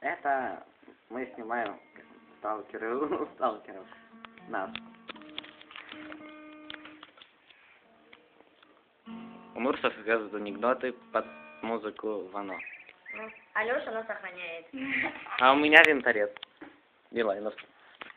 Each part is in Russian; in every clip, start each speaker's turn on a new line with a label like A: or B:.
A: Это мы снимаем сталкеров. Нас. Умур рассказывает анекдоты под музыку Вано.
B: Ну, Алёша нас охраняет.
A: А у меня винторез. Билайновский.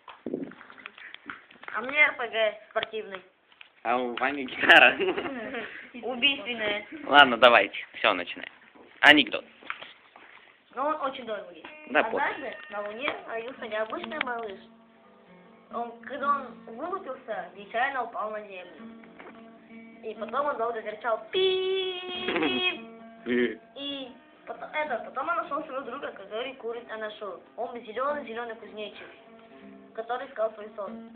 B: А мне РПГ спортивный.
A: А у Вани гитара.
B: Убийственная.
A: Ладно, давайте. Все, начинаем. Анекдот.
B: Но он очень долгий.
A: Да,
B: Однажды на Луне родился необычный малыш. Когда он вылупился, нечаянно упал на землю. И потом он долго кричал «Пип!». И потом он нашел своего друга, который курит анашу. Он зеленый кузнечик, который искал свой сон.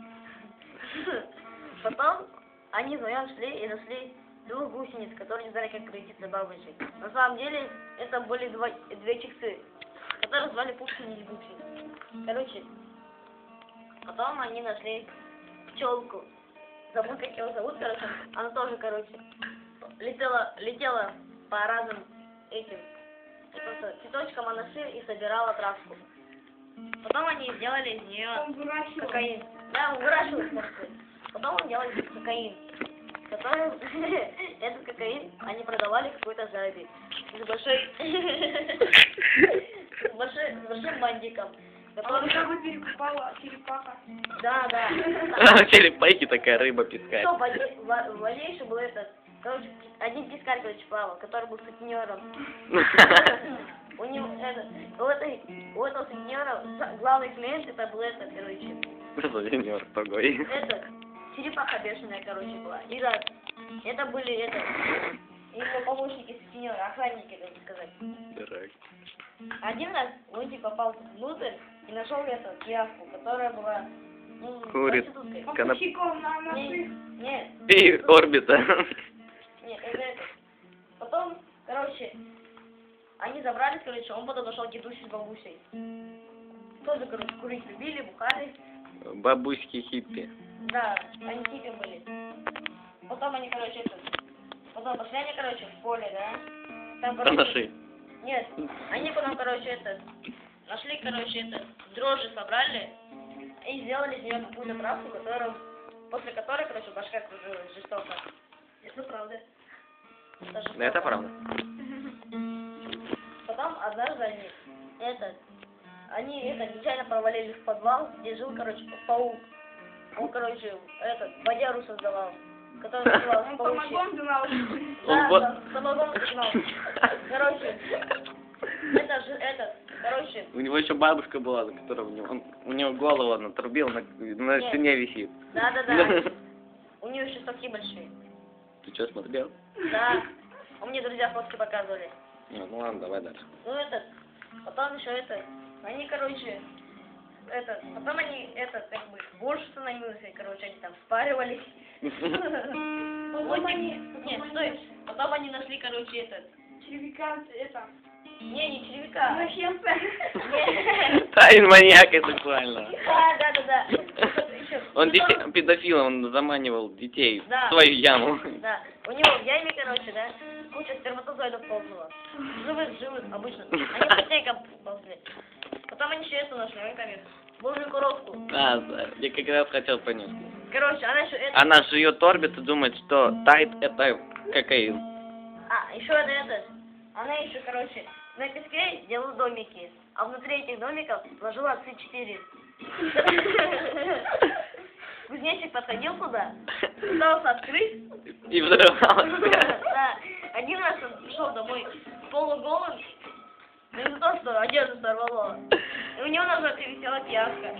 B: Потом они вдвоем шли и нашли двух гусениц, которые не знали, как превратиться в бабочек. На самом деле, это были две чиксы, которые звали Пупсин и Бупсин. Короче, потом они нашли пчелку. Забыл, как ее зовут, короче. Она тоже, короче, летела по разным этим цветочкам анаши и собирала травку. Потом они сделали из нее кокаин. Да, он выращивал, кстати. Потом он делал кокаин. Который, этот кокаин они продавали какой-то жабе. С большим бандиком.
C: Который жабу перекупала черепаха.
B: Да.
A: Черепахи такая рыба пескарь.
B: Что, в воде еще был этот, короче, один пескарь, короче, плавал, который был сутенером. У него, у этого сутенера главный клиент, это был этот, короче.
A: Сутенер погой.
B: Это, черепаха бешеная, короче, была. И раз, это были, его помощники сутенера, охранники, так сказать.
A: Дурак.
B: Один раз Лунтик попал внутрь и нашел эту явку, которая была,
A: курит.
C: Попутчиком на наших.
B: Нет.
A: И орбита.
B: Нет, это. Потом, короче, они забрались, короче, он потом нашел дедушку с бабусей. Тоже, короче, курить любили, бухали.
A: Бабуськи хиппи.
B: Да, они хиппи были. Потом они, короче, потом пошли они, короче, в поле, да? Там, короче, нет, они потом, короче, нашли, короче, дрожжи собрали и сделали из нее какую-то травку, после которой, короче, башка кружилась жестоко. Это правда.
A: Это правда.
B: Потом однажды они нечаянно провалились в подвал, где жил, короче, паук. Он, короче, водяру создавал, который назывался паучий.
C: Самогон знал.
B: Да, самогон знал. Короче, короче.
A: У него еще бабушка была, за которой у него голову он отрубил, на стене висит.
B: Да. У нее еще соски большие.
A: Ты что, смотрел?
B: Да. У меня друзья фотки показывали.
A: Ну ладно, давай дальше.
B: Ну потом еще они, короче, потом они, как бы, больше становилось, и, короче, они там спаривались. Нет, стой, потом они нашли, короче,
C: Червяка,
B: не червяка.
C: Извращенца.
A: Тайн маньяка сексуального.
B: Да.
A: Он педофил, он заманивал детей
B: Да.
A: в свою яму.
B: Да, у него в яме, короче, да, куча сперматозоидов ползала. Живых, обычно. Они потейком ползли. Потом они еще нашли, божью коровку.
A: Да, я как раз хотел понять.
B: Короче, она еще
A: Она жует орбит и думает, что тайт это кокаин.
B: А, еще она еще, короче, на песке делала домики, а внутри этих домиков сложила С4. Кузнечик подходил туда, пытался открыть.
A: И взрывал.
B: Да, один раз он пришел домой полуголым, из-за того, что одежду сорвало. И у него на жопе висела пиявка.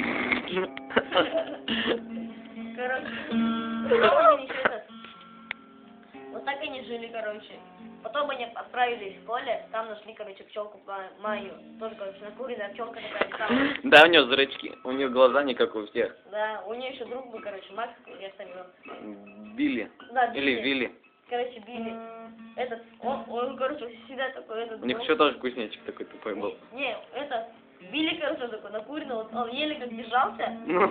B: Короче, потом они еще вот так они жили, короче. Потом они отправились в поле, там нашли, короче, пчелку Майю. Тоже, короче, накуренная пчелка такая.
A: Да, у нее зрачки, у нее глаза не как у всех.
B: Да, у нее еще друг был, короче, Макс, я сам его.
A: Билли.
B: Да,
A: Или Вилли.
B: Короче, Билли. Он, короче, всегда такой,
A: У них еще тоже кузнечик такой тупой был.
B: Не, Билли, короче, такой накуренный, он еле как держался.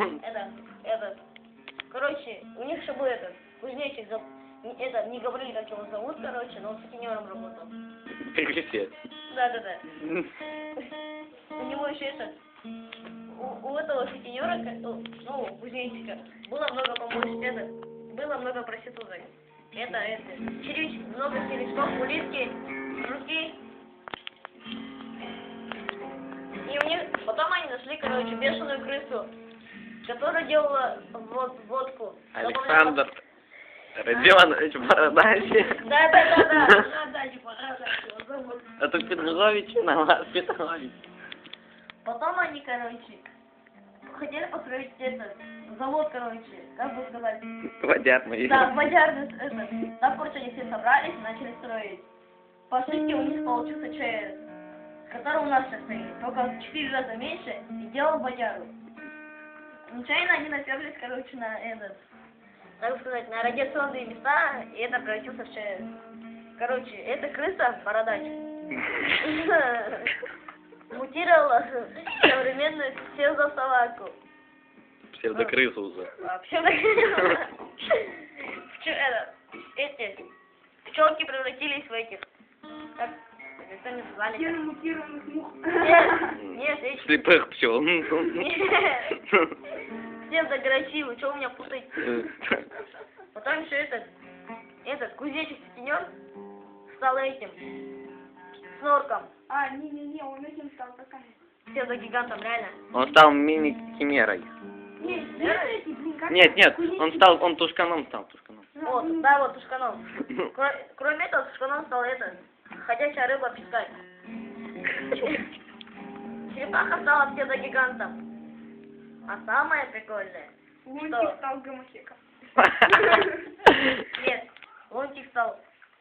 B: Короче, у них еще был кузнечик, не говорили, как его зовут, короче, но он сутенером работал.
A: Как все.
B: Да. короче, у этого сутенера, ну, кузнечика, было много, по-моему, было много проституток. Это, много черешков, улитки, жуки. И у них, потом они нашли, короче, бешеную крысу, которая делала водку.
A: Александр Родионович Бородач.
B: Да.
C: Бородач, его зовут.
A: Это Петрович, на Петрович.
B: Потом они, короче, хотели построить завод, короче, как бы сказать.
A: Водярный.
B: Да, водярный, там, короче, они все собрались и начали строить. По сути, у них получился ЧС, который у нас сейчас стоит, только в 4 раза меньше, и делал водяру. Нечаянно они наперлись, короче, на так сказать, на радиационные места, и это превратился в ЧС. Короче, эта крыса, Бородач, мутировала в современную псевдособаку.
A: Псевдокрысу уже.
B: Эти пчелки превратились в этих, как они назвали?
C: Геномутированных мух.
B: Нет, эти.
A: Слепых пчел.
B: Псевдограчи, что у меня путать? Потом еще этот кузнечик-сутенер стал этим, снорком.
C: А, не, он этим стал такая.
B: Псевдогигантом, реально.
A: Он стал мини-химерой. Нет, он тушканом стал, тушканом.
B: Вот, да, вот тушканом. Кроме этого, тушканом стал ходячая рыба пескать. Черепаха стала псевдогигантом. А самое прикольное,
C: Лунтик стал гомосеком.
B: нет, Лунтик стал...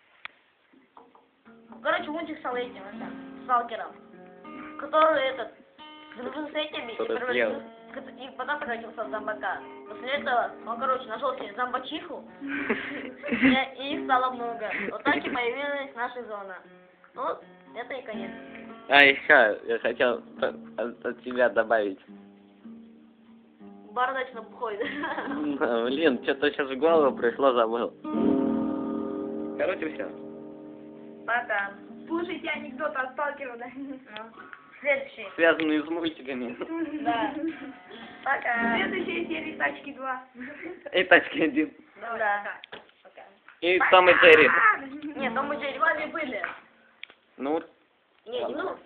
B: Короче, Лунтик стал этим, сталкером, который дружил с этими и потом превратился в зомбака. После этого он, короче, нашел себе зомбачиху, и их стало много. Вот так и появилась наша зона. Ну, это и конец.
A: А еще я хотел от тебя добавить.
B: Бородач на бухой.
A: Блин, что-то сейчас в голову пришло, забыл. Короче, все.
B: Пока.
C: Слушайте анекдоты от сталкера, да?
B: Следующий.
A: Связанные с мультиками.
B: Да. Пока.
C: Следующая серия «Тачки 2».
A: И тачки 1.
B: Да. Пока.
A: И Том и Джерри.
B: Нет, Том и Джерри вами были.
A: Ну,
B: Не, ну.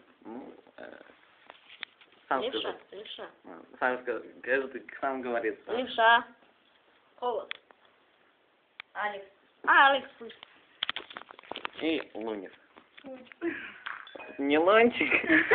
A: сам
B: Левша,
A: скажи.
B: левша.
A: Сам скажи, каждый сам говорит.
B: Левша. Холод. Алекс. Алекс.
A: И Лунев. Не Лунтик.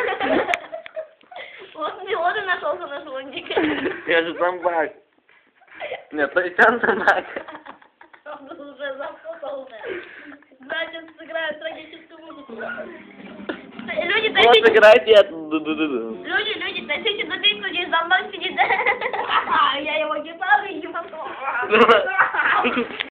B: Вот и нашелся наш Лунтик.
A: Я же зомбак. Нет, то есть он зомбак.
B: Он уже запутался. Значит, сыграют трагическую музыку. Люди,
A: Вот
B: тащите...
A: играйте.
B: Люди, тащите дубинку, здесь зомбак сидит. Я его гитару и ебану.